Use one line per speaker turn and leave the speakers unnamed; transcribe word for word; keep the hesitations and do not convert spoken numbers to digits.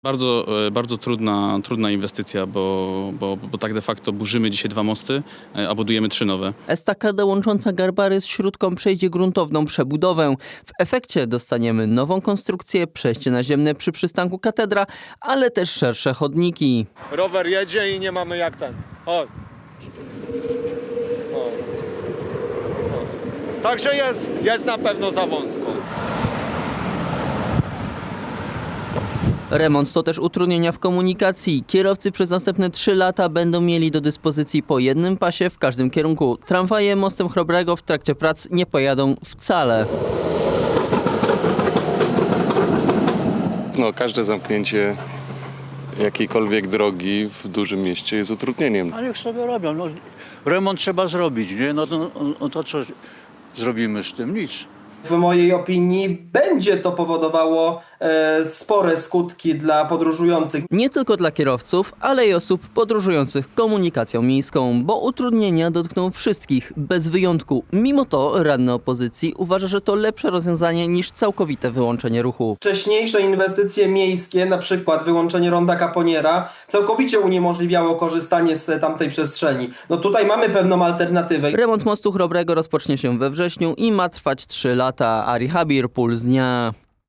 Bardzo, e, bardzo trudna, trudna inwestycja, bo, bo, bo tak de facto burzymy dzisiaj dwa mosty, e, a budujemy trzy nowe.
Estakada łącząca Garbary z Śródką przejdzie gruntowną przebudowę. W efekcie dostaniemy nową konstrukcję, przejście naziemne przy przystanku Katedra, ale też szersze chodniki.
Rower jedzie i nie mamy jak ten. Chodź. O. O. Także jest, jest na pewno za wąsko.
Remont to też utrudnienia w komunikacji. Kierowcy przez następne trzy lata będą mieli do dyspozycji po jednym pasie w każdym kierunku. Tramwaje mostem Chrobrego w trakcie prac nie pojadą wcale.
No, każde zamknięcie jakiejkolwiek drogi w dużym mieście jest utrudnieniem.
A niech sobie robią. No, remont trzeba zrobić, nie? No to, no to co zrobimy z tym? Nic.
W mojej opinii będzie to powodowało e, spore skutki dla podróżujących.
Nie tylko dla kierowców, ale i osób podróżujących komunikacją miejską, bo utrudnienia dotkną wszystkich, bez wyjątku. Mimo to radny opozycji uważa, że to lepsze rozwiązanie niż całkowite wyłączenie ruchu.
Wcześniejsze inwestycje miejskie, na przykład wyłączenie ronda Caponiera, całkowicie uniemożliwiało korzystanie z tamtej przestrzeni. No tutaj mamy pewną alternatywę.
Remont mostu Chrobrego rozpocznie się we wrześniu i ma trwać trzy lata. Ari Habir, Puls Dnia.